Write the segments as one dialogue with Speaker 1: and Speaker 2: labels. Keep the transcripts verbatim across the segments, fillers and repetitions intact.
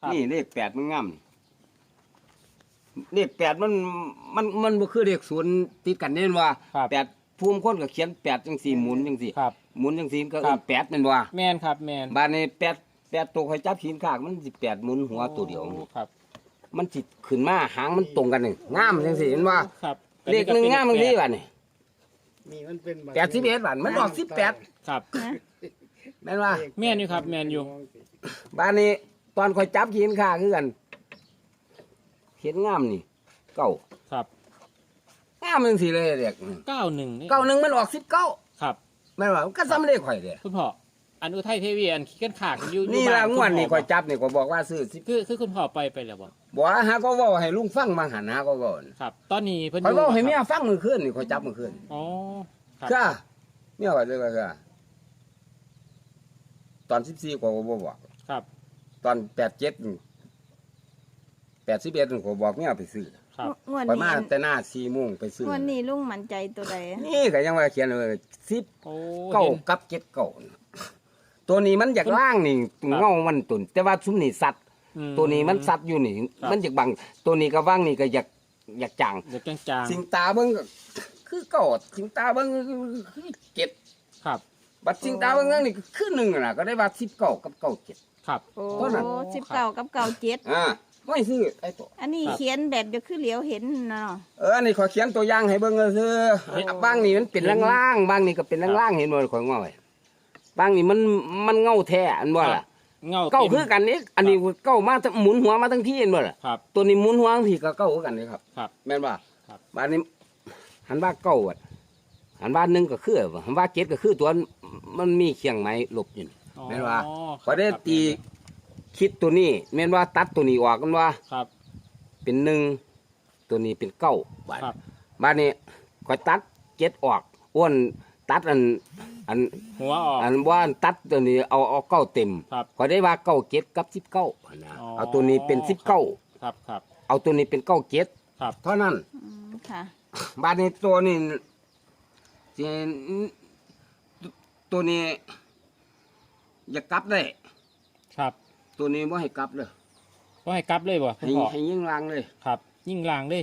Speaker 1: นี่เลขแปดมันงามเลขแปดมันมันมันบ่คือเลขศูนย์ติดกันเน่นว่าแปดภูมิคนก็เขียนแปดจังสี่หมุนจังสี่หมุนจังสี่ก็เออแปดแม่นว่า
Speaker 2: แม่นครับแม่น
Speaker 1: บ้านนี้แปดแปดตัวคอยจับขีนขากมันสิแปดหมุนหัวตัวเดียว
Speaker 2: ครับ
Speaker 1: มันสิขึ้นมาหางมันตรงกันนี่งามจังสี่เห็นว่า
Speaker 2: ครับ
Speaker 1: เลขหนึ่งงามจังสี่บัดนี้
Speaker 3: นี่มันเป็น
Speaker 1: แปดสิบเอ็ดบาทมันออกสิบแปด
Speaker 2: ครับ
Speaker 1: แม่นว่า
Speaker 2: แม่นอยู่ครับแม่นอยู่
Speaker 1: บ้านนี้ตอนคอยจับขีนขากคือกันเขียนงามนี่เก้า
Speaker 2: ครับ
Speaker 1: งามจังสี่เลยเด็ก
Speaker 2: เก้าหนึ่ง
Speaker 1: เก้าหนึ่งมันออกสิบเก้า
Speaker 2: ครับ
Speaker 1: แม่นว่าก็ซ้ำเลขข่อยเด้
Speaker 2: คุณพ่ออันอุทัยเทวีอันขี้กันขากอยู่
Speaker 1: นี่ละงวดนี่ข่อยจับนี่ก็บอกว่าซื้อสิ
Speaker 2: คือคือคุณพ่อไปไปแล้วบ่
Speaker 1: บ่หาก็เว้าให้ลุงฟังมาหันหาก็เว้า
Speaker 2: ครับตอนนี้เพิ่น
Speaker 1: ข่อยเว้าให้เมียฟังมื้อคืนนี่ข่อยจับมื้อคืน
Speaker 2: อ๋อครับ
Speaker 1: ค่ะเมียว่าจังได๋ค่ะตอนสิบสี่ก็บ่บอก
Speaker 2: ครับ
Speaker 1: ตอนแปดสิบเจ็ดนี่แปดสิบเอ็ดนี่ก็บอกเมียไปซื้อ
Speaker 2: ครับ
Speaker 1: งวดนี้มาแต่หน้า สี่โมงไปซื้อง
Speaker 4: วดนี้ลุงมั่นใจตัวใด
Speaker 1: นี่ก็ยังว่าเขียนเลยสิบ
Speaker 2: โอ้
Speaker 1: เก้ากับเจ็ดเก้าตัวนี้มันอยากล่างนี่เงามันตุนแต่ว่าซุมนี่สัตว์ตัวนี้มันสัตว์อยู่นี่มันอยากบังตัวนี้ก็ว่างนี่ก็อยากอยากจาง
Speaker 2: อยากจาง
Speaker 1: สิงตาเบิ่งก็คือเก้าสิงตาเบิ่งคือเจ็ด
Speaker 2: ครับ
Speaker 1: บัดสิงตาเบิ่งนั่นนี่คือหนึ่งน่ะก็ได้ว่าสิบเก้ากับเก้าเจ็ด
Speaker 2: ครับ
Speaker 4: โอ้สิบเก้ากับเก้าเจ็ด
Speaker 1: อ่าไม่ซื้อไอ้ตัว
Speaker 4: อันนี้เขียนแบบจะคือเหลียวเห็นเนาะ
Speaker 1: เอออันนี้ขอเขียนตัวอย่างให้เบิ่งก็คือบางนี่มันเป็นล่างๆบางนี่ก็เป็นล่างๆเห็นบ่ข่อยง้อยบางนี่มันมันเงาแท้อันบ่ล่ะ
Speaker 2: เงา
Speaker 1: เก้าคือกันนี่อันนี้เก้ามาหมุนหัวมาทั้งที่เห็นบ่ล่ะ
Speaker 2: ครับ
Speaker 1: ตัวนี้หมุนหัวทั้งที่ก็เก้าคือกันนี่ครับ
Speaker 2: ครับ
Speaker 1: แม่นบ่
Speaker 2: ครับ
Speaker 1: บางนี้หันว่าเก้าอ่ะหันว่าหนึ่งก็คือหันว่าเจ็ดก็คือตัวมันมีเคียงไม้หลบอยู่แม่นบ่พอได้ตีคิดตัวนี้แม่นว่าตัดตัวนี้ออกกันว่า
Speaker 2: ครับ
Speaker 1: เป็นหนึ่งตัวนี้เป็นเก้าบาทบาทนี้คอยตัดเจ็ดออกอ้วนตัดอันอัน
Speaker 2: หัวออก
Speaker 1: อันว่าตัดตัวนี้เอาเอาเก้าเต็มคอยได้ว่าเก้าเจ็ดกับสิบเก้านะเอาตัวนี้เป็นสิบเก้า
Speaker 2: ครับครับ
Speaker 1: เอาตัวนี้เป็นเก้าเจ็ดเท่านั้น
Speaker 4: ค่ะ
Speaker 1: บาทนี้ตัวนี้ตัวนี้อย่ากลับได้
Speaker 2: ครับ
Speaker 1: ตัวนี้ว่าให้กลับเลย
Speaker 2: ว่าให้กลับเลยบ่
Speaker 1: ให้ให้ยิ่งลางเลย
Speaker 2: ครับยิ่งลางเลย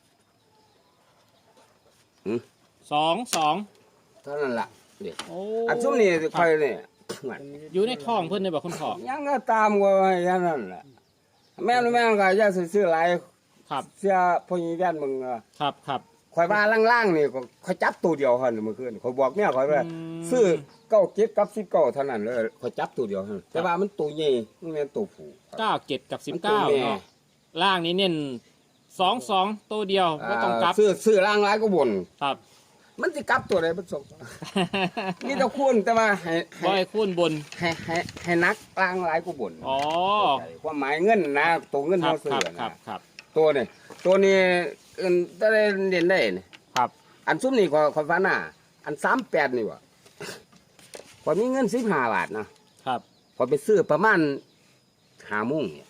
Speaker 2: สองสอง
Speaker 1: เท่านั้นล่ะเด็กอันซุ่มนี่คอยเนี่ย
Speaker 2: อยู่ในท้องเพิ่นเลยบ่คุณพ่อ
Speaker 1: ยังก็ตามก็อย่างนั้นแหละแม่นแม่ก็จะซื้อหลาย
Speaker 2: ครับ
Speaker 1: เสื้อพวกนี้แว่นมึง
Speaker 2: ครับครับ
Speaker 1: คอยว่าล่างๆนี่ก็คอยจับตัวเดียวหั่นเมื่อคืนคอยบอกเมียคอยว่าซื้อเก้าเจ็ดกับสิบเก้าเท่านั้นเลยคอยจับตัวเดียวหั่นแต่ว่ามันตัวใหญ่มันแม่นตัวผู้
Speaker 2: เก้าเจ็ดกับสิบเก้าเนาะล่างนี้เน้นสองสองตัวเดียวก็ต้องกลับ
Speaker 1: ซื้อซื้อล่างหลายก็บ่น
Speaker 2: ครับ
Speaker 1: มันสิกลับตัวใดมันส่งนี่ตะคูนแต่ว่าให้
Speaker 2: บ่ให้คูนบน
Speaker 1: ให้ให้ให้นักล่างหลายก็บ่น
Speaker 2: อ๋อ
Speaker 1: ความหมายเงินนะตัวเงินเฮาซื้อ
Speaker 2: นะครับ
Speaker 1: ตัวนี้ตัวนี้อื่นได้เรียนได้นี่
Speaker 2: ครับ
Speaker 1: อันซุ่มนี่ก็ข่อยฟันน่ะอันสามสิบแปดนี่ว่ะข่อยมีเงินสิบห้าบาทนะครับข่อยไปซื้อประมาณห้าโมงเนี่ย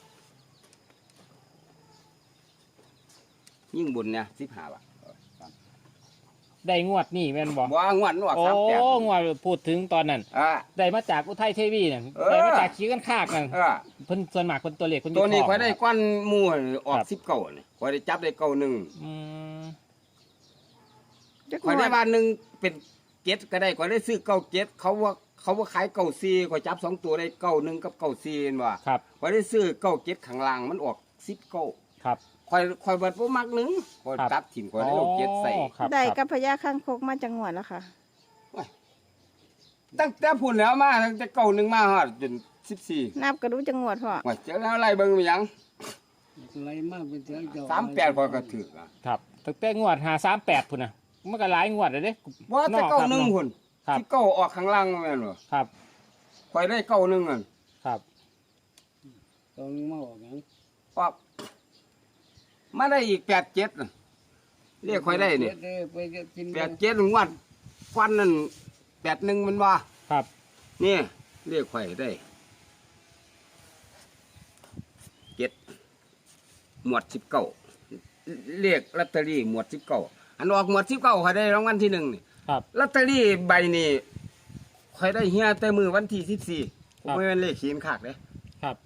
Speaker 1: ยิ่งบุญเนี่ยสิบห้าบาท
Speaker 2: ได้งวดนี่แม่นบ่
Speaker 1: บ่งวดงวดสามสิบแปด
Speaker 2: โอ้งวดพูดถึงตอนนั้นได้มาจากอุทัยเทวีนั่นได้มาจากขี้กันคากนั่นเพิ่นส่วนมากเพิ่นตัวเล็กเพิ่น
Speaker 1: ตัวนี้ข่อยได้ก้อนหมู่ออกสิบเก้านี่ข่อยได้จับได้เก้าหนึ่ง
Speaker 2: อืม
Speaker 1: ข่อยได้ว่าหนึ่งเป็นเจ็ดก็ได้ข่อยได้ซื้อเก้าเจ็ดเขาว่าเขาว่าขายเก้าสี่ข่อยจับสองตัวได้เก้าหนึ่งกับเก้าสี่เห็นบ่
Speaker 2: ครับ
Speaker 1: ข่อยได้ซื้อเก้าเจ็ดข้างล่างมันออกสิบเก้า
Speaker 2: ครับ
Speaker 1: ข่อยข่อยเบิดบ่มักหนึ่งข่อยตัดถิ่มข่อยได้เอาเจ็ดใส่
Speaker 4: ได้กับพญาข้างคกมาจังหวัดแล้วค่ะ
Speaker 1: ตั้งแต่พุ่นแล้วมาตั้งแต่เก้าหนึ่งมาฮอดจนสิบสี่
Speaker 4: นับก็รู้จังหวัดพ่อ
Speaker 1: ว่าเจ้าอะไรเบิ่งมีหยัง
Speaker 3: อะไรมากเป็นเจ้าเจ้า
Speaker 1: สามแปดข่อยก็ถูกอ่ะ
Speaker 2: ครับตั้งแต่งวดห้าสามแปดพุ่นน่ะมันก็หลายงวดแล้วเด้
Speaker 1: บ่แต่เก้าหนึ่งพุ่นที่เก้าออกข้างล่างแม่นบ่
Speaker 2: ครับ
Speaker 1: ข่อยได้เก้าหนึ่งอ่ะ
Speaker 2: ครับ
Speaker 3: ตรงมาออกหยัง
Speaker 1: ออกมาได้อีกแปดเจ็ดเรียกค่อยได้เนี่ยแปดเจ็ดงวดควันนั่นแปดหนึ่งมันว่า
Speaker 2: ครับ
Speaker 1: นี่เรียกค่อยได้เจ็ดหมวดสิบเก้าเรียกลอตเตอรี่หมวดสิบเก้าอันออกหมวดสิบเก้าค่อยได้รางวัลที่หนึ่งนี่
Speaker 2: ครับ
Speaker 1: ลอตเตอรี่ใบนี้ค่อยได้เฮียแต่มือวันที่สิบสี่ไม่เป็นเลขขีนขากเลย
Speaker 2: ครับ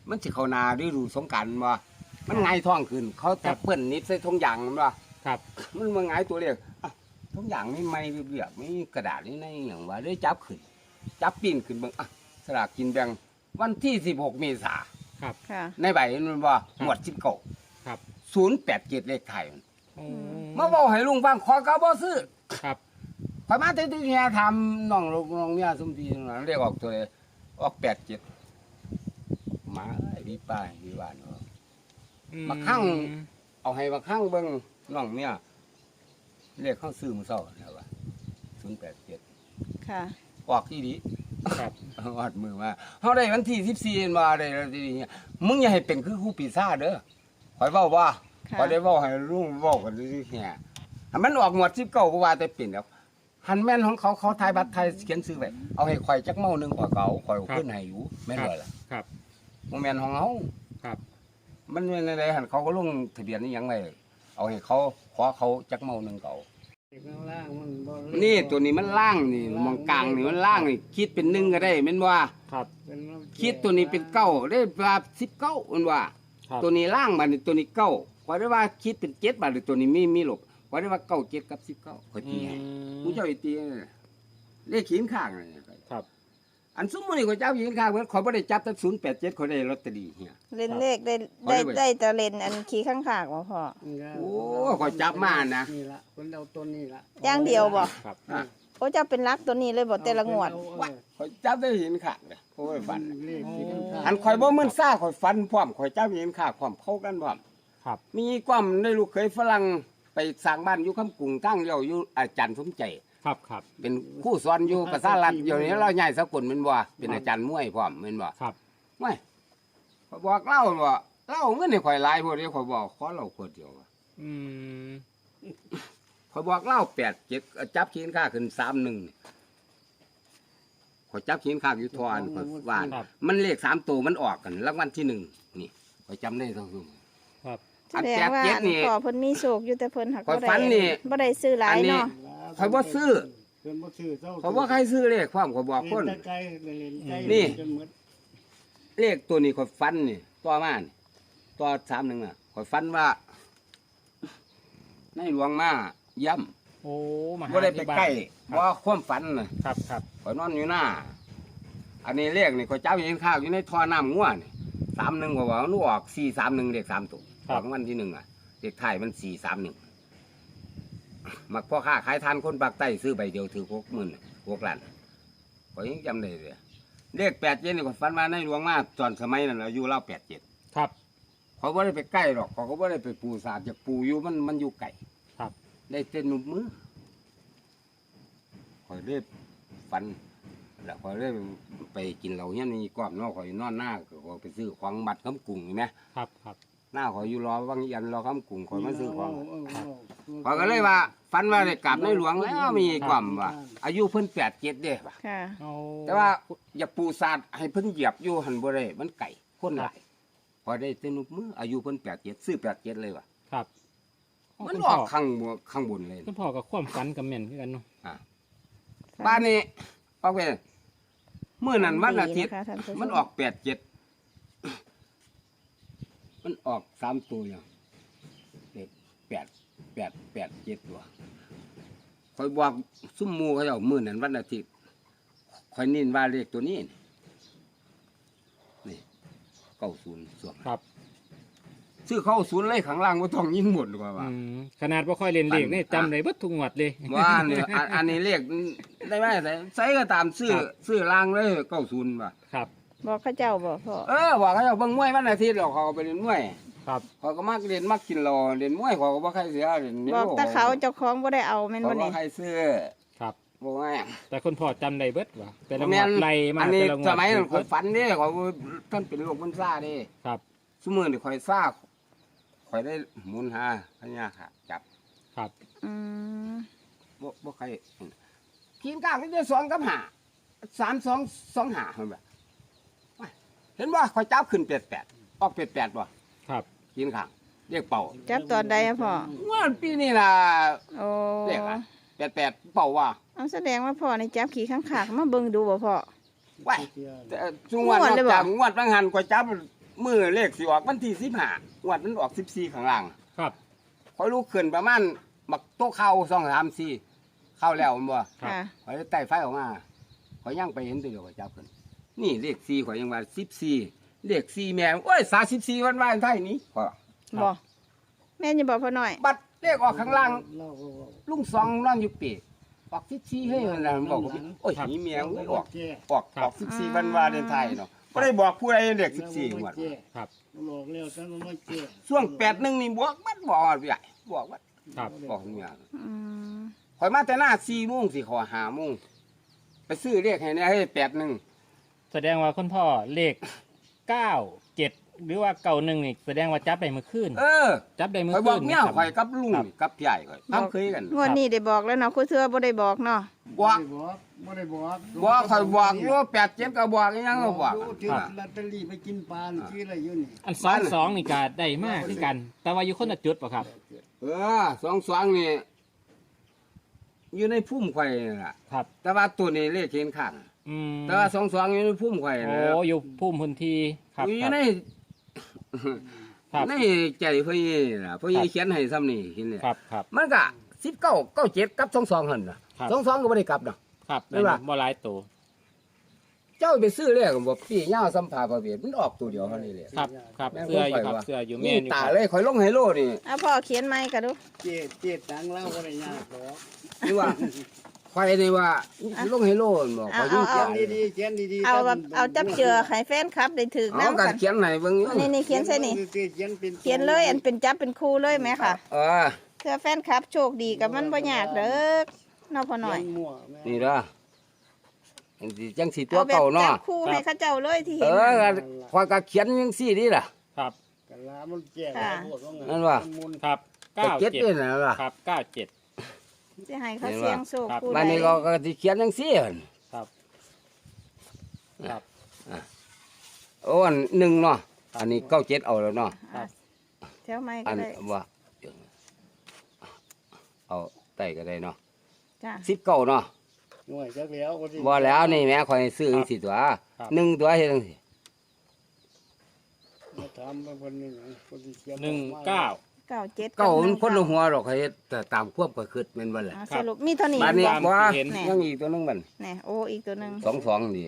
Speaker 1: มันสิเข้านาฤดูสงกรานต์บ่มันหงายท้องขึ้น เขาจะเปิ้นนิดใส่ทงยางมันบ่
Speaker 2: ครับ
Speaker 1: มันมาหงายตัวเรียกอ่ะทงยางมีไม้เรียบๆมีกระดาษนี่ในหยังว่าได้จับขึ้น จับปีนขึ้นเบิ่งอ่ะสลากกินแบ่งวันที่สิบหกเมษา
Speaker 2: ครับ
Speaker 4: ค่ะ
Speaker 1: ในใบมันบ่หมวดสิบเก้า
Speaker 2: ครับ
Speaker 1: ศูนย์แปดเจ็ดเลขไทยมัน
Speaker 2: โอ้
Speaker 1: มาเว้าให้ลุงฟังขอก็บ่ซื้อ
Speaker 2: ครับ
Speaker 1: ข่อยมาแต่ที่เนี่ยทำน้องลูกน้องเมียซุมทีนั่นเรียกออกตัวเลยออกแปดเจ็ดหมาไอ้พี่ป้าพี่บ้านเนาะ
Speaker 2: อื
Speaker 1: มาคั่ง เอาให้มาข้างเบิ่งน้องเมียเรียกเข้าซื้อมื้อเช้าแล้วว่าศูนย์แปดเจ็ด
Speaker 4: ค่ะ
Speaker 1: ออกที่ดี
Speaker 2: ครับ
Speaker 1: วาดมือมาเฮาได้วันที่สิบสี่มาได้แล้วทีนี้มึงอย่าให้เป็นคือครูปีศาจเด้อข่อยเว้าว่า
Speaker 4: ค่ะ
Speaker 1: ข่อยได้เว้าให้ลุงเว้ากันซื่อๆแฮ่ถ้ามันออกหมวดสิบเก้าก็ว่าแต่เป็นแล้วหันแม่นของเขาเขาทายบัตรไทยเขียนซื้อไว้เอาให้ข่อยจักเมาหนึงข่อยก็เอาข่อยเอาขึ้นให้อยู่แม่นบ่ล่ะ
Speaker 2: ครับ
Speaker 1: บ่แม่นของเฮา
Speaker 2: ครับ
Speaker 1: มันเป็นอะไรหันเขาก็ลงทะเบียนนี่ยังไงเอาให้เขาขอเขาจักเมาหนึ่งเขา
Speaker 3: ข้างล่างมันบ่
Speaker 1: นี่ตัวนี้มันล่างนี่มองกลางนี่มันล่างนี่คิดเป็นหนึ่งก็ได้แม่นว่า
Speaker 2: ครับ
Speaker 3: เป็นน้ำ
Speaker 1: คิดตัวนี้เป็นเก้าได้ว่าสิบเก้าแม่นว่า
Speaker 2: ครับ
Speaker 1: ตัวนี้ล่างบัดนี้ตัวนี้เก้าขอได้ว่าคิดเป็นเจ็ดบาทหรือตัวนี้มีมีหลบขอได้ว่าเก้าเจ็ดกับสิบเก้าขอตีให้ผู้เจ้าอีตีเลขขีนข้างนี่
Speaker 2: ครับ
Speaker 1: อันสมมุตินี่ข้อยเจ้าขีนข้างเหมือนขอยบ่ได้จับแต่ศูนย์แปดเจ็ดขอยได้ลอตเตอรี่เฮีย
Speaker 4: เล่นเลขได้
Speaker 1: เอา
Speaker 4: ได้
Speaker 1: เลยเว้ย
Speaker 4: ได้แต่เล่นอันขี้ข้างขากบ่พ่อ
Speaker 1: โอ้ข้อยจับมานะ
Speaker 3: นี่ละคนเอาตัวนี้ละ
Speaker 4: อย่างเดียวบ่
Speaker 2: ครับ
Speaker 1: อ่ะ
Speaker 4: โอ้เจ้าเป็นรักตัวนี้เลยบ่แต่ละงวด
Speaker 1: ว่าข้อยจับได้หินข้างเลยโอ้ยฝัน
Speaker 3: เลขที่ข้างๆ
Speaker 1: อันข่อยบ่มึนซ่าข่อยฟันพร้อมข่อยเจ้าเห็นข้าพร้อมเข้ากันพร้อม
Speaker 2: ครับ
Speaker 1: มีความได้ลูกเคยฝรั่งไปสร้างบ้านอยู่คำกรุงตั้งเลี้ยวอยู่อาจารย์สมใจ
Speaker 2: ครับครับ
Speaker 1: เป็นครู่สอนอยู่ภาษาลัดอยู่นี้เราใหญ่สกุลแม่นบ่เป็นอาจารย์มวยพร้อมแม่นบ่
Speaker 2: ครับ
Speaker 1: ไม่ข่อยบอกเล่าว่าเล่าเงินให้ข่อยหลายพวกนี้ข่อยบอกขอเราคนเดียวว่ะ
Speaker 2: อืม
Speaker 1: ข่อยบอกเล่าแปดเจ็ดจับขีนค่าขึ้นสามหนึ่งข่อยจับขีนค่าอยู่ทอนข่อยว่ามันเลขสามตัวมันออกกันรางวัลที่หนึ่งนี่ข่อยจำได้ทั้งทุก
Speaker 2: ครับ
Speaker 4: แสดงว่าอันพ่อเพิ่นมีโชคอยู่แต่เพิ่นหัก
Speaker 1: ข้อย
Speaker 4: บ่
Speaker 1: ฝั
Speaker 4: ได้
Speaker 1: นนี่
Speaker 4: บ่ได้ซื้อหลายเนาะ
Speaker 1: ข่อยบ่ซื้อ
Speaker 3: เพิ่นบ่ซื้อเจ้า
Speaker 1: ข่อยบ่ใครซื้อเลขความข่อยบอกคน
Speaker 3: เล่นไกลเล่นไกล
Speaker 1: นี่
Speaker 3: จนหมด
Speaker 1: เลขตัวนี้ข่อยฟันนี่ต่อมานี่ต่อสามหนึ่งอ่ะข่อยฟันว่า ในหลวงมาย่
Speaker 2: โอ้มา
Speaker 1: ำ
Speaker 2: หา
Speaker 1: บ่ได้ไป
Speaker 2: ที่บ้าน
Speaker 1: ใกล้
Speaker 2: ครับ
Speaker 1: ว่าความฝันน่ะ
Speaker 2: ครับครับ
Speaker 1: ข่อยนอนอยู่หน้า อันนี้เลขนี่ข่อยจับเห็นข้าวอยู่ในท่อน้ำงัวนี่สามหนึ่งข่อยว่ามันออกสี่สามหนึ่งเลขสามตัวออกวันที่หนึ่งอ่ะเลขไทายมันสี่สามหนึ่งมักพ่อค้าขายทานคนปากใต้ซื้อใบเดียวถือหกหมื่นหกล้านข่อยยังจำได้เลยเลขแปดเจ็ดนี่ข่อยฝันว่าในหลวงมาตอนสมัยนั้นอายุเล่าแปดเจ็ด
Speaker 2: ครับ
Speaker 1: เขาไม่ได้ไปใกล้หรอกเขาก็ไม่ได้ไปปูสาดจะปูอยู่มันมันอยู่ไกล
Speaker 2: ครับ
Speaker 1: ได้เต้นหนุบมือคอยเรียฟันแล้วคอยเรียไปกินเหล้าเนี่ยนี่กวามเนอกคอยนอนหน้าก็คอยไปซื้อของบัตรคำกุ้งเห็นไหม
Speaker 2: ครับครับ
Speaker 1: หน้าคอยอยู่รอวังยันรอคำกุ้งคอยมาซื้อของ
Speaker 3: เเเ
Speaker 1: คอยก็เลยว่าฟันว่าได้กลับในหลวงแล้วมีความว่า อายุเพิ่นแปดเจ็ดเด้ป่ะ
Speaker 4: ค่ะ
Speaker 2: เอา
Speaker 1: แต่ว่าอย่าปูสาดให้เพิ่นเหยียบอยู่หันบ่ได้มันไก่คนหลายพอได้เต้นหนุบมืออายุเพิ่นแปดเจ็ดซื้อแปดเจ็ดเลยว่ะ
Speaker 2: ครับ
Speaker 1: มัน
Speaker 2: คุณ
Speaker 1: อ
Speaker 2: พ่
Speaker 1: อกข้างบนข้างบนเลย
Speaker 2: คุณพ่อกับความฝันกับแม่นคือกันเนาะ
Speaker 1: บ้านนี้ออกไปเมื่อนั้นวันอาทิตย์
Speaker 4: ดีะคะท่านผู้ช
Speaker 1: มันออกแปดเจ็ดมันออกสามตัวอย่างเด็กแปดแปดแปดเจ็ดตัวคอยบอกซุ่มหมูเขาเอามื่อนั้นวันอาทิตย์คอยนินว่าเลขตัวนี้นี่นี่เก้าศูนย์ส่วน
Speaker 2: ครับ
Speaker 1: ซื้อเข้าศูนย์เลยข้างล่างว่าต้องยิงหมดกว่าว่า
Speaker 2: อืมขนาดบ่ค่อยเล่นเลขนี่
Speaker 1: อ่ะ
Speaker 2: จำได้เบิดทุกงวดเลย
Speaker 1: ว่าเนี่ยอันอันนี้เลขได้ไหมใส่ใส่ก็ตามซื้อ
Speaker 2: ครับ
Speaker 1: ซื้อล่างเลยเก้าศูนย์ว่ะ
Speaker 2: ครับ
Speaker 4: บอกเขาเจ้าบ่พ่อ
Speaker 1: เออว่าเขาจะเบิ่งมวยวันอาทิตย์หรอกเขาก็ไปเล่นมวย
Speaker 2: ครับ
Speaker 1: เขาก็มักเล่นมักกินเหล้าเล่นมวยเขาก็บ่ใครเสียเล่น
Speaker 4: บอกแต่เขาเจ้าของบ่ได้เอาแม่น
Speaker 1: เขา
Speaker 4: บ่
Speaker 1: บ่
Speaker 4: นี่
Speaker 1: ใครซื้อ
Speaker 2: ครับ
Speaker 1: บ่ง่าย
Speaker 2: แต่คุณพ่อจำได้เบิดว่าแต่ละง
Speaker 1: แม่
Speaker 2: วด
Speaker 1: น
Speaker 2: ไล่มา
Speaker 1: อันนี้
Speaker 2: แต่ละงวด
Speaker 1: สมัยนั้น
Speaker 2: เบิ
Speaker 1: ข่อยฝันเด้เขาท่านเป็นโรคมันซ่าเด้
Speaker 2: ครับ
Speaker 1: ซุมื้อนี่ข่อยซ่าข่อยได้หมุนหาพญาค่ะจับ
Speaker 2: ครับ
Speaker 4: อืม
Speaker 1: บ่บ่ใครกินกลางนี่ได้สองกับห้าสามสองสองห้าเห็นบ่ว้ายเห็นบ่ข่อยจับขึ้นแปดแปดออกแปดแปดบ่
Speaker 2: ครับ
Speaker 1: กินข้างเรียกเป่า
Speaker 4: จับตอนใดอะพ่อ
Speaker 1: ว่าปีนี้ล่ะ
Speaker 4: โอ้
Speaker 1: เรียกอะแปดแปดเป่าว่า
Speaker 4: เอาแสดงว่าพ่อนี่จับขี้ข้างขากมาเบิ่งดูบ่พ่อ
Speaker 1: ว้าย
Speaker 3: เที่ยว
Speaker 1: แต่จุงวัน
Speaker 4: งวดเลยบ่
Speaker 1: จับงวดบางหันก็จับมือเลขสิออกวันที่สิบห้างวดมันออกสิบสี่ข้างล่าง
Speaker 2: ครับ
Speaker 1: คอยลุกขึ้นประมาณบักโต๊ะเข้าสองสามสี่เข้าแล้วมันบ่
Speaker 2: ครับ
Speaker 4: ค่ะ
Speaker 1: คอยไต่ไฟออกมาคอยย่างไปเห็นตัวเดียวก็จับขึ้นนี่เลขสี่คอยยังว่าสิบสี่เลขสี่แม่โอ้ยสาสิบสี่วันวาเลนไทน์นี้พอ
Speaker 4: บ่แม่นจะบอกพ่อหน่อย
Speaker 1: บัตรเลขออกข้างล่าง
Speaker 3: เล่าก็ว่า
Speaker 1: ลุงสองนอนอยู่ปีกออกสิบสี่ให้มันนะมันบอกว่าโอ้ยนี่แม่เอ้ยออก
Speaker 3: แจ้
Speaker 1: ออกออกสิบสี่วันวาเลนไทน์เนาะก็ได้บอกผู้ใดเลขสิบสี่งวด
Speaker 2: ครับ
Speaker 3: บอกแล้วแต่มันไม่แจ้
Speaker 1: ช่วงแปดหนึ่งนี่บวกมันบอกว่าใหญ่บอกว่า
Speaker 2: ครับ
Speaker 1: บอกเมีย
Speaker 4: อืม
Speaker 1: คอยมาแต่หน้าสี่โมงสี่ขอหาโมงไปซื้อเลขให้เนี่ยให้แปดหนึ่ง
Speaker 2: แสดงว่าคุณพ่อเลขเก้าเจ็ดหรือว่าเก่าหนึ่งนี่แสดงว่าจับได้เมื่อคืน
Speaker 1: เออ
Speaker 2: จับได้เมื่อ
Speaker 1: คอยบ
Speaker 2: คื
Speaker 1: อก
Speaker 2: น
Speaker 1: เมีย
Speaker 2: นะครับ
Speaker 1: คอยกับลุง
Speaker 2: ครับ
Speaker 1: กับพี่ใหญ่คอยทำเคยกัน
Speaker 4: งวดนี้ได้บอกแล้วเนาะครูเทือบ่ได้บอกเนาะ
Speaker 1: บอก
Speaker 3: ไม่ได้บอก
Speaker 1: บอกคอยบอกรู้แปดเจ็ดก็บอกอีหยังก็บอก
Speaker 3: ที่ลอตเตอรี่ไปกินปลาชื่ออะไรอยู่นี่
Speaker 2: อันสองสองนี่ก็ได้มากคือกัน แต่ว่าอยู่คนละจุดป่ะครับ
Speaker 1: เออสองสองนี่อยู่ในพุ่มไข่นั่นล่ะ
Speaker 2: ครับ
Speaker 1: แต่ว่าตัวนี้เลขเห็นข้าง
Speaker 2: อืม
Speaker 1: แต่ว่าสองสองอยู่ในพุ่มไข่
Speaker 2: โอ้
Speaker 1: นะ
Speaker 2: อยู่พุ่มพื้นที่ครับ
Speaker 1: อ
Speaker 2: ค
Speaker 1: ยู่
Speaker 2: รับ
Speaker 1: ใน
Speaker 2: ครับ
Speaker 1: ในใจเพื่อนนี่ล่ะเพื่อนเขียนให้ซ้ำนี่เห็นเนี่ย
Speaker 2: ครับครับ
Speaker 1: มันก็สิบเก้าเก้าเจ็ดกับสองสองหันนะครับ สองสองก็ไม่ได้กลับนะครับ ไม่ว่า
Speaker 2: บ่หลายตัว
Speaker 1: เจ้าไปซื้อเลขบอกพี่เงาสัมภาระเบียดมันออกตัวเดียวเท่านี้เลย
Speaker 2: ครับครับ
Speaker 1: แม่น
Speaker 2: เสื้ออยู่
Speaker 1: ผม
Speaker 2: ครับ
Speaker 1: ไปว่า
Speaker 2: เสื้ออยู่แม่
Speaker 1: นี่
Speaker 2: นอยู่
Speaker 1: ตา
Speaker 2: ครับ
Speaker 1: เลยคอยลงไฮโลนี่
Speaker 4: เอาพ่อเขียนไม้กันดู
Speaker 3: เจ็ดเจ็ดตังเล่าอะไรยากหรอก
Speaker 1: นี่ว่าคอยนี่ว่าลงไฮโลมันบอกคอยยิ่ง
Speaker 3: เขี
Speaker 1: เขี
Speaker 3: ย
Speaker 1: ย
Speaker 3: น
Speaker 1: น
Speaker 3: ดีๆเขียนดีๆ
Speaker 4: เอาแบบเอาจับเจือให้แฟนครับได้ถือ
Speaker 1: เอา
Speaker 4: น้ำ
Speaker 1: กั
Speaker 4: กัน น
Speaker 1: เขียนไหนเบิ่งอยู่
Speaker 4: นี่นี่เขียนใส่นี่
Speaker 3: เขียนเป็น
Speaker 4: เขียนเลยอันเป็นจับเป็นคู่เลยไหมค่ะ
Speaker 1: เออ
Speaker 4: เพื่อแฟนครับโชคดีกับมันบ่ยากเด้อเนาะพ่อหน่อย
Speaker 3: เขียมั่วแม่
Speaker 1: นี่เด้อจังสิจังสีตัว
Speaker 4: เอาแบบ
Speaker 1: เก่า
Speaker 4: จั
Speaker 1: เนาะ
Speaker 4: บคู่ให้เขาเจ้าเลยที่
Speaker 1: เอ
Speaker 4: เห็น
Speaker 1: อคอยก็เขียนยังสี่นี่ล่ะ
Speaker 2: ครับ
Speaker 3: กันลามันแจ้
Speaker 4: ค่ะ
Speaker 3: พวกเขาไง
Speaker 1: นั่นว่ะ
Speaker 3: มัมุน
Speaker 2: ครับ
Speaker 1: ก็
Speaker 2: เก้า
Speaker 1: เจ็ด
Speaker 2: เจ็ด
Speaker 1: นี่นะล่ะ
Speaker 2: ครับเก้าเจ็ด
Speaker 4: สิให้เขาเสียงโชค
Speaker 2: ครับ
Speaker 4: คู่
Speaker 1: บ้านนี้ก็ก็สิเขียนยังสี่หั่น
Speaker 2: ครับครับ
Speaker 1: โอ้อันหนึ่งเนาะอันนี้เก้าเจ็ดเอาแล้วเนาะ
Speaker 4: อ่ะแถวไม้
Speaker 1: อั
Speaker 4: ก็
Speaker 1: น
Speaker 4: ได้
Speaker 1: ว่าเอาไต่ก็ได้เนาะ
Speaker 4: จ้า
Speaker 1: สิบเก้าเนาะ
Speaker 3: หน่วยจักแล้วก็สิ
Speaker 1: บ่แล้วนี่แม่คอยซื้อจังสิตัวหนึ่งตัวเฮ็ดจังสิ
Speaker 3: มาถามมาคนหนึงคนที่เขียน
Speaker 2: หนึ่งเก้า
Speaker 4: เก้าเจ็ด
Speaker 1: เก้า
Speaker 4: บ
Speaker 1: มัน
Speaker 4: หง
Speaker 1: คนละหัวดอกให้เฮ็ดแต่ตามควบก็คิดแม่นบ่ล่ะ
Speaker 4: อ่ะสรุปมีเท่านี้
Speaker 1: บ้านนี้
Speaker 2: ตาม
Speaker 1: บ่
Speaker 2: ที่เห็น
Speaker 1: ยังอีกตัวหนึงมัน
Speaker 4: แน่โอ้อีกตัวหนึง
Speaker 1: สองสองนี่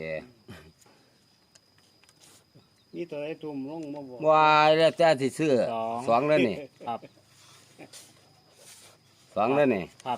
Speaker 3: นี่ตัวไอ้ตุ่มลงมาบอก
Speaker 1: ว่าแล้วแต่สิซื้อ
Speaker 2: สอง
Speaker 1: สองแล้วนี่
Speaker 2: ครับ
Speaker 1: สองแล้วนี่
Speaker 2: ครับ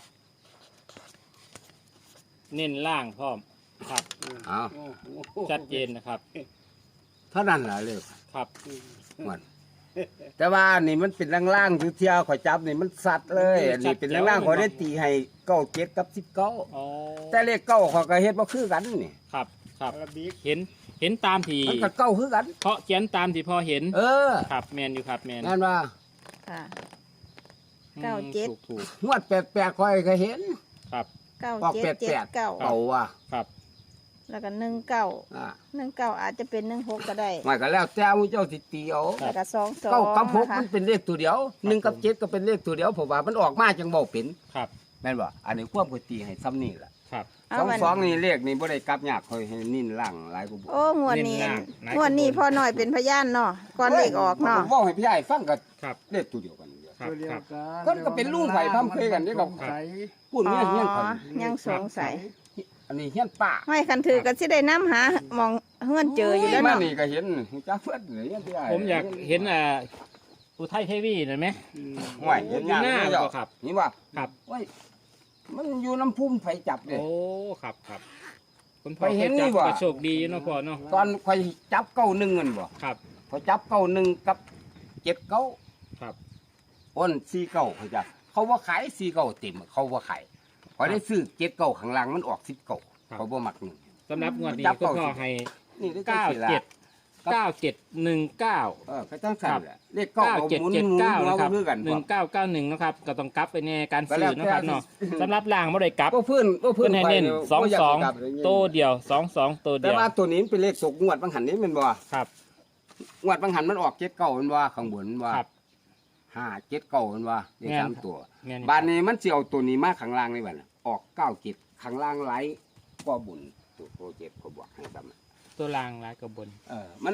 Speaker 2: เน้นล่างพร้อมครับ
Speaker 1: เอา
Speaker 3: โอ้โห
Speaker 2: ชัดเจนนะครับ
Speaker 1: เท่านั้นล่ะเลย
Speaker 2: ครับ
Speaker 1: มันแต่ว่านี่มันเป็นล่างๆคือเที่ยวข่อยจับนี่มันสัตว์เลยอันนี้เป็นล่างๆข่อยได้ตีให้เก้าเจ็ดกับสิบเก้า
Speaker 2: อ๋อ
Speaker 1: แต่เลขเก้าข่อยก็เฮ็ดบ่คือกันนี่
Speaker 2: ครับครับ
Speaker 3: อาราบิก
Speaker 2: เห็นเห็นตามที่
Speaker 1: มันก็เก้าคือกัน
Speaker 2: เพราะเขียนตามที่พอเห็น
Speaker 1: เออ
Speaker 2: ครับแมนอยู่ครับแมน
Speaker 1: นั่นว่า
Speaker 4: ค่ะ
Speaker 2: อืม
Speaker 4: เก้าเจ็ด
Speaker 2: ถูกถูก
Speaker 1: งวดแปลกๆข่อยก็เห็น
Speaker 2: ครับ
Speaker 4: เก้า
Speaker 1: ออก
Speaker 4: เจ็ด
Speaker 1: แป
Speaker 4: เจ็
Speaker 1: ล
Speaker 4: ด
Speaker 1: ก
Speaker 4: เก้า
Speaker 1: ๆเก่าว่ะ
Speaker 2: ครับ
Speaker 4: แล้วก็หนึ่งเก้า
Speaker 1: อ่า
Speaker 4: หนึ่งเก้าอาจจะเป็นหนึ่งหกก็ได้
Speaker 1: มันก็แล้วแต่ผู้เจ้าสิตีเอา
Speaker 4: แล้วก็สองสอง
Speaker 1: เก้ากับหก
Speaker 4: นะคะ
Speaker 1: มันเป็นเลขตัวเดียวหนึ่งกับเจ็ดก็เป็นเลขตัวเดียวเพราะว่ามันออกมาจังบ่เป็น
Speaker 2: ครับ
Speaker 1: แม่นบ่อันนี้ควบก็ตีให้ซ้ำนี่ล่ะ
Speaker 2: ครับ
Speaker 4: เอา
Speaker 1: สอง
Speaker 4: วัน
Speaker 1: สองนี่เลขนี่บ่ได้กลับยากค่อยให้นิ่นล่างหลายกว่าบ่
Speaker 4: โอ้งวดนี้
Speaker 2: เน้นหน้าไหน
Speaker 4: งวดนี้พ่อหน่อยเป็นพยานเนาะก่อนเลขออกเนาะ
Speaker 1: ผมบอกให้พี่ใหญ่ฟังก็
Speaker 2: ครับ
Speaker 1: เลขตัวเดียวกันเดียว
Speaker 2: ครับ
Speaker 3: ตัวเดีย
Speaker 2: คว รับ
Speaker 3: กัน
Speaker 1: คนก็เป็นลูกไผ่พร่ำเคยกันนี่ก็
Speaker 3: สงสัย
Speaker 1: พูดเงี้ยเงี้ยคน
Speaker 4: อ๋อยังสงสัย
Speaker 1: อันนี้เฮียนป้า
Speaker 4: ไม่คันถือก็สิได้น้ำหามองเฮือนเจออยู่แล้ว
Speaker 1: มา
Speaker 4: เนาะ
Speaker 1: นี่ก็เห็นจ้าเพื่อนเฮียนพี่ใหญ่
Speaker 2: ผมอยากเห็นอ่าอุทัยเทวีหน่อยไหม
Speaker 3: อืม
Speaker 1: ห่วยเห็นยาก
Speaker 2: หน้า
Speaker 1: เลยเจ้า
Speaker 2: บ่ครับ
Speaker 1: นี่ว่า
Speaker 2: ครับ
Speaker 1: โอ้ยมันอยู่น้ำพุ่มไฟจับเลย
Speaker 2: โอ้ครับครับคุณพ่อ
Speaker 1: ไปเห็น
Speaker 2: คยจับ
Speaker 1: นี่บ่
Speaker 2: ก็โชคดีเนาะพ่อเนาะ
Speaker 1: ตอนคอยจับเก้าหนึ่งเงินบ่
Speaker 2: ครับ
Speaker 1: พอจับเก้าหนึ่งกับเจ็ดเก้า
Speaker 2: ครับ
Speaker 1: อ้นสี่เก้าเขาจะเขาว่าขายสี่เก้าเต็มเขาว่าขายพอได้ซื้อเจ็ดเก้าข้างล่างมันออกสิบเก้าเขาบ่มักหนึ่ง
Speaker 2: สำหรับงวดนี้
Speaker 1: จับ
Speaker 2: คุณ
Speaker 1: เก้า
Speaker 2: พ่อ
Speaker 1: สิ
Speaker 2: ให้
Speaker 1: นี่ได้
Speaker 2: เก้า
Speaker 1: จังสิล่ะ
Speaker 2: เจ็ดเก้าเจ็ดหนึ่งเก้า
Speaker 1: เออก็จังสั่นแหละเลข
Speaker 2: เก้า
Speaker 1: เก้า
Speaker 2: เจ็ด
Speaker 1: หมุน
Speaker 2: เจ็ด
Speaker 1: หมุน
Speaker 2: เก้า
Speaker 1: หัว
Speaker 2: นะครับ
Speaker 1: มือกัน
Speaker 2: หนึ่งเก้าเก้าหนึ่งนะครับก็ต้องกลับไปในการ
Speaker 1: ก็
Speaker 2: ซื้
Speaker 1: แล้
Speaker 2: อ
Speaker 1: วแต่
Speaker 2: นะครับเนาะสำหรับล่างไม่ได้กลับ
Speaker 1: ก็พื้นก็พื้
Speaker 2: เพื่
Speaker 1: น
Speaker 2: อนให้
Speaker 1: ไป
Speaker 2: เน้นสอง
Speaker 1: บ่ยาก
Speaker 2: สอง
Speaker 1: สิกลับเลย
Speaker 2: โตวเดียวสองสองโตว
Speaker 1: แต่
Speaker 2: เดียว
Speaker 1: ว่าตัวนี้มันเป็นเลขสกงวดบางหันนี้แมันบ่
Speaker 2: ครับ
Speaker 1: งวดบางหันมันออกเจ็ดเก้ามันว่าข้างบนมันว่า
Speaker 2: ครับ
Speaker 1: ห้าเจ็ดเก้ามันว่าเลข
Speaker 2: แม่น
Speaker 1: สามตัว
Speaker 2: แม่น
Speaker 1: บานนี้มันสิเอาตัวนี้มาข้างล่างนี่บัดน่ะออกเก้าเจ็ดข้างล่างไหลก็บุญตัวโปรเจ็ดเขาบอกให้ซ้ำ
Speaker 2: ตัวล่างลายกระบน
Speaker 1: เออมัน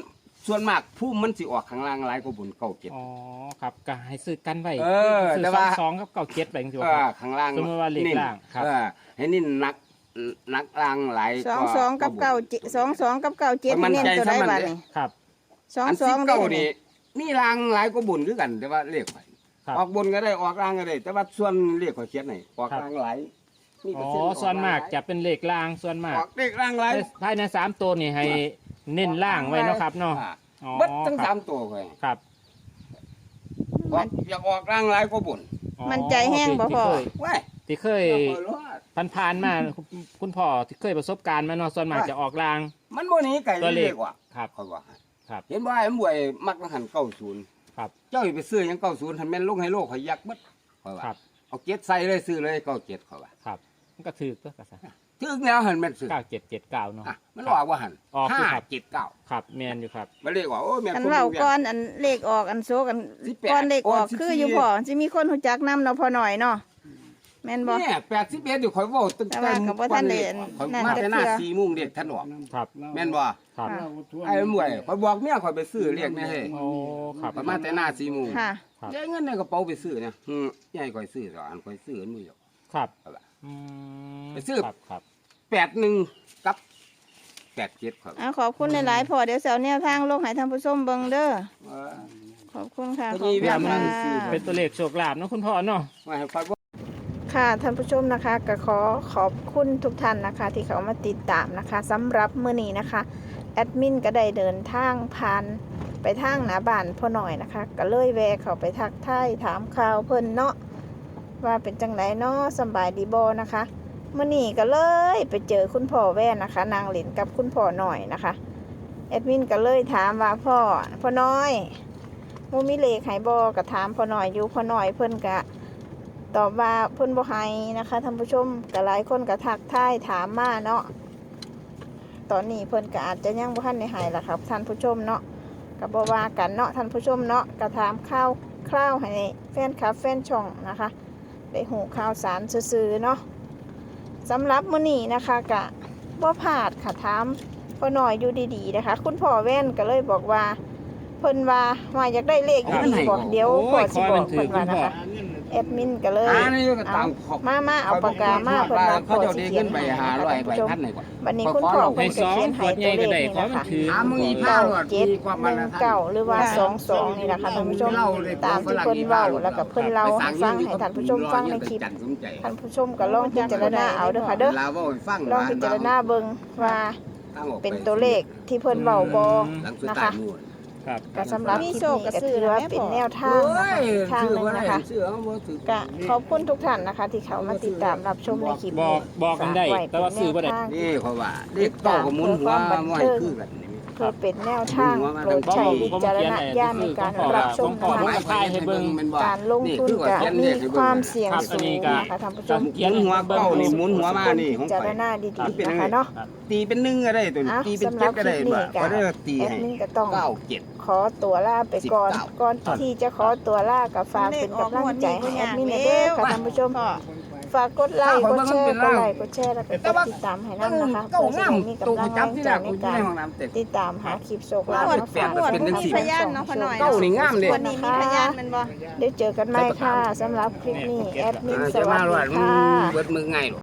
Speaker 1: ส่วนมากผู้มันสิออกข้างล่างหลายกว่าบนเก้าเจ็ด
Speaker 2: อ๋อครับก็ให้ซื้อกันไว้
Speaker 1: เออ
Speaker 2: ซื้อ
Speaker 1: แต่ว่า
Speaker 2: สองกับเก้าเจ็ดไปจังซี่
Speaker 1: เอ
Speaker 2: บ่ค
Speaker 1: อ
Speaker 2: รับ
Speaker 1: ข้างล่าง
Speaker 2: สมมุติว่าเลขล่างครับ
Speaker 1: เออให้นี่นักนักล่างหลาย
Speaker 4: สองสองกับเก้าเจ็ดสองสองกับเก้าเจ็ด
Speaker 1: มัน
Speaker 4: เน้น
Speaker 1: ใจ
Speaker 4: ตัวใด
Speaker 1: ซ้ำมัน
Speaker 4: บ้า
Speaker 1: เด้
Speaker 4: นี่
Speaker 2: ครับ
Speaker 4: สอง
Speaker 1: อัน
Speaker 4: สอ
Speaker 1: สิ
Speaker 4: ง
Speaker 1: บ
Speaker 4: เด้
Speaker 1: เก้า
Speaker 4: อ
Speaker 1: นี่นี่ล่างหลายกว่าบุญคือกัน แต่ว่าเลขข่อย
Speaker 2: ครับ
Speaker 1: ออกบนก็ได้ออกล่างก็ได้ แต่ว่าส่วนเลขข่อยเขียนให้ออกล่างหลายมี
Speaker 2: อ๋
Speaker 1: เป
Speaker 2: อ
Speaker 1: ร์เซ็นต์
Speaker 2: ส่วนมาก
Speaker 1: ออ
Speaker 2: จะเป็นเลขล่างส่วนมาก
Speaker 1: ออกเลขล่างหลาย
Speaker 2: ภายในสามตัวนี่ให้เน้นล่างไว้เนาะครับเนาะ
Speaker 1: อ่
Speaker 2: อ๋อ
Speaker 1: เบิดทั้ง
Speaker 2: ค
Speaker 1: สา
Speaker 2: รับ
Speaker 1: มตัวข่อย
Speaker 2: ครับ
Speaker 1: ออกอยากออกล่างหลายกว่าบุญ
Speaker 2: อ๋อ
Speaker 4: มันใจแห้งบ่พ่อ
Speaker 1: ว้าย
Speaker 2: ที่เคยผ่านๆมาคุณคุณพ่อที่เคยประสบการณ์มาเนาะส่วนมากจะออกล่าง
Speaker 1: มันบ่หนี้ไก่
Speaker 2: ตัวเล
Speaker 1: เล
Speaker 2: ข
Speaker 1: ขว่ะ
Speaker 2: ครับ
Speaker 1: ข่อยว่า
Speaker 2: ครับ
Speaker 1: เห็นว่าไอ้หมวยมักหันเก้าศูนย์
Speaker 2: ครับ
Speaker 1: เจ้าอย่าไปซื้อหยังเก้าศูนย์ทันแม่นลงให้โลกข่อยยักเบิดข่อยว่า
Speaker 2: ครับ
Speaker 1: เอาเจ็ดใส่เลยซื้อเลยเก้าเจ็ดข่อยว่า
Speaker 2: ครับมันก็ถือก็กระซะ
Speaker 1: ถึงแล้วหันแม่นซื้อ
Speaker 2: เก้าเจ็ดเจ็ดเก้าเนาะ
Speaker 1: อ่ะมันออกว่าหัน
Speaker 2: ออกอยู่
Speaker 1: ห้า
Speaker 2: ครับ
Speaker 1: เจ็ดเก้า
Speaker 2: ครับแมนอยู่ครับ
Speaker 1: มันเรียกว่าโอ้แม่น
Speaker 4: อัน
Speaker 1: คน
Speaker 4: เว้า
Speaker 1: ดูเวีย
Speaker 4: ก่อนอันเลขออกอันโซกัน
Speaker 1: สิบแปด
Speaker 4: ก่อนเลขออก
Speaker 1: โอ้สิบสี่
Speaker 4: คืออยู่พ่อสิมีคนรู้จักนํเนาะพอหน่อยเนาะแม่นบ่
Speaker 1: เนี่ยแปดสิบเอ็ดอยู่ข่อยเว้าตั้ง
Speaker 4: แต่ว่าก็บ่ทันได้
Speaker 1: ข่อย
Speaker 4: นั่น
Speaker 1: มา
Speaker 4: จัก
Speaker 1: แต่หน้า
Speaker 4: เทื่อ
Speaker 1: สี่โมงเด็กท่านออก
Speaker 2: ครับ
Speaker 1: แม่นบ่
Speaker 2: ครับ
Speaker 3: เราทวน
Speaker 1: ไอ้หมวยข่อยบอกเมียข่อยไปซื้อเรียกแม่เฮ้ย
Speaker 2: โอ้ครับ
Speaker 1: ข่อยมาแต่หน้าสี่โมง
Speaker 4: ค่ะ
Speaker 2: ครับ
Speaker 1: ได้เงินในกระเป๋าไปซื้อเนี่ยอืมยายข่อยซื้อสอนข่อยซื้ออันมือเดียว
Speaker 2: ครับ
Speaker 1: เอาล่ะ
Speaker 2: อืม
Speaker 1: ไปซื้อ
Speaker 2: ครับครับ
Speaker 1: แปดหนึ่งกับแปดเจ็ดข่อย
Speaker 4: อ่าขอบคุณหลายๆพ่อเดี๋ยวเสาแนวทางลงให้ท่านผู้ชมเบิ่งเด้อ
Speaker 1: เออ
Speaker 4: ขอบคุณค่ะ
Speaker 1: ก็
Speaker 4: ขอบ
Speaker 1: มี
Speaker 4: คุ
Speaker 1: เวี
Speaker 4: ณ
Speaker 1: ยนมา
Speaker 4: ค่ะ
Speaker 1: ซื้อ
Speaker 2: เป็นตัวเลขโชคลาภเนาะคุณพ่อเนาะ
Speaker 1: ว่าให้ข่อยบ่
Speaker 4: ค่ะท่านผู้ชมนะคะก็ขอขอบคุณทุกท่านนะคะ ที่เขามาติดตามนะคะสำหรับมื้อนี้นะคะแอดมินก็ได้เดินทางผ่านไปทางหน้าบ้านพ่อหน่อยนะคะ ก็เลยแวะเข้าไปทักทายถามข่าวเพิ่นเนาะว่าเป็นจังไดเนาะสำบายดีบ่นะคะมื้อนี้ก็เลยไปเจอคุณพ่อแว่นนะคะนางเล่นกับคุณพ่อหน่อยนะคะแอดมินก็เลยถามว่าพ่อพ่อน้อยมูมีเลขให้บ่ก็ถามพ่อหน่อยอยู่พ่อหน่อยเพิ่นก็ตอบว่าเพิ่นบ่ให้นะคะท่านผู้ชมก็หลายคนก็ทักทายถามมาเนาะตอนนี้เพิ่นก็อาจจะยังบ่ทันได้ให้ล่ะครับท่านผู้ชมเนาะก็บ่ว่ากันเนาะท่านผู้ชมเนาะก็ถามข่าวคร่าวให้แฟนคลับแฟนช่องนะคะได้หูข่าวสารซื่อๆเนาะสำหรับมื้อนี้นะคะก็บ่พลาดค่ะถามพ่อหน่อยอยู่ดีๆนะคะ คุณพ่อแว่นก็เลยบอกว่าเพิ่นว่าว่าอยากได้เลขอีดีบ่เดี๋ยวพ่อสิบอกเพิ่นว่านะคะแอดมินก็เลย
Speaker 1: อ่านี่ก็
Speaker 4: เอา
Speaker 1: ตามขอบ
Speaker 4: มามาเอาปากกามาเพิ่นว่า
Speaker 1: เขา
Speaker 4: พ่อ
Speaker 1: เจ้า
Speaker 4: สิ
Speaker 1: ได้
Speaker 4: เขีย
Speaker 1: เงิ
Speaker 4: น
Speaker 1: นไป
Speaker 4: ให้
Speaker 1: หา
Speaker 4: นะคะ
Speaker 1: ร้อย
Speaker 4: ท่าน
Speaker 1: ใบ
Speaker 4: ผู้ชม
Speaker 1: พันหน่อยกว่า
Speaker 4: วันนี้คุณพ่อเพิ่
Speaker 2: ให้
Speaker 4: น
Speaker 2: ส
Speaker 4: ก็
Speaker 2: อง
Speaker 4: เขียน
Speaker 2: ข
Speaker 4: ให้
Speaker 2: วดใหญ่
Speaker 4: ตัวเล
Speaker 2: ก็
Speaker 4: ข
Speaker 2: ได้
Speaker 4: นี่
Speaker 2: ขอ
Speaker 4: นะ
Speaker 2: มัน
Speaker 4: คะ
Speaker 2: ถือ
Speaker 1: หามึงอี
Speaker 4: เก้า
Speaker 1: ผ้า
Speaker 4: เจ็ด
Speaker 1: มีความ
Speaker 4: ห
Speaker 1: มัน
Speaker 4: นึ่ง
Speaker 1: นะ
Speaker 4: เก้าหรือว่าสองสองนี่แหละค่ะท่านผู้ชมตามที่เพิ่นเว้าแล้วก็เพิ่นเล่าให้ฟังให้ท่านผู้ชมฟังในคลิปท่านผู้ชมก็ลองพิจารณาเอาเด้อค่ะเด้อ
Speaker 1: ลาว่าให้ฟัง
Speaker 4: ลองพิจารณาเบิ่งว่าเป็นตัวเลขที่เพิ่นเว้าบ่
Speaker 1: หลังสุด
Speaker 4: นะ
Speaker 1: ท้า
Speaker 4: คะ
Speaker 1: ยนู่น
Speaker 2: ครับ
Speaker 4: ก็สำหรับคลิปนี้ก็ถือว่าเป็นแนวทางนะคะทางหนึงนะคะ
Speaker 1: เสื้อบ่ถือ
Speaker 4: ก็ขอบคุณทุกท่านนะคะ ที่เขามาติดตามรับชมในคลิป
Speaker 2: บอ
Speaker 4: นี้
Speaker 2: กบอกกันได้
Speaker 4: ฝว้
Speaker 2: แต่ว่าซื้อบ่ได้
Speaker 4: เป็นแนวทาง
Speaker 1: นี่เขาว่าเด็กเต้าก็หมุนหัวมาให้คือกันนี่
Speaker 4: เพื่อเป็นแนวทางโปรดใช้วิจารณญาณในการรับชม
Speaker 2: ขอ
Speaker 4: นะ
Speaker 2: ผม
Speaker 4: คะ
Speaker 2: ก็ทายให้เบิ่ง
Speaker 4: การลงทุนก็มีความเสี่ยง
Speaker 2: ครับอั
Speaker 4: สู
Speaker 2: นนี้
Speaker 4: ง
Speaker 2: ก็
Speaker 4: นะคะท่านผู้ชม
Speaker 1: หมุนหัวเก้านี่หมุนหัวมานี่ของ
Speaker 4: พิจาร
Speaker 1: ข่อย
Speaker 4: ณาดีๆนะคะเนาะ
Speaker 1: ตีเป็นหนึ่งก็ได้ตัวนี้
Speaker 4: อ่ะ
Speaker 1: ตีเป็น
Speaker 4: สำหรั
Speaker 1: เจ็ด
Speaker 4: บ
Speaker 1: ก็ได้
Speaker 4: คลิปนี้
Speaker 1: บ่
Speaker 4: ก็
Speaker 1: ก็ได้ตี
Speaker 4: แอด
Speaker 1: ให้
Speaker 4: มินก็ต้อง
Speaker 1: เก้าเจ็ด
Speaker 4: ขอตัวลาไปก่อน
Speaker 1: สิบเก้า
Speaker 4: ก่อนที่จะขอตัวลากับฝากเป็นกำลังใจให้แอดมินเด้อค่ะท่านผู้ชม ฝากกดไลค์กดแชร์กดไลค์กดแชร์แล้วก็กดติดตามให้นั่นนะคะ
Speaker 1: เก้า
Speaker 4: เพื่อจะ
Speaker 1: งาม
Speaker 4: ได้มี
Speaker 1: ตัว
Speaker 4: กำลัง
Speaker 1: กู
Speaker 4: แรง
Speaker 1: จับที่
Speaker 4: ใจ
Speaker 1: แรก
Speaker 4: ใน
Speaker 1: กูอยู่
Speaker 4: การ
Speaker 1: ในห้องน้ำเต็ม
Speaker 4: ติดตามหาคลิปโชคลาภ
Speaker 1: งวด
Speaker 4: มา
Speaker 1: แปด
Speaker 4: ฝาก
Speaker 1: เป็นจังสี่
Speaker 4: ท่านผู้ชม
Speaker 1: เก้านี่งามเลย
Speaker 4: วันนี้มีพยานมันบ่เดี๋ยวเจอกันใหม่ค่ะสำหรับคลิปนี้แอดมินส
Speaker 1: จะ
Speaker 4: วั
Speaker 1: มา
Speaker 4: ส
Speaker 1: หล
Speaker 4: ดี
Speaker 1: อด
Speaker 4: ค่ะ
Speaker 1: เบิดมือง่ายหรอ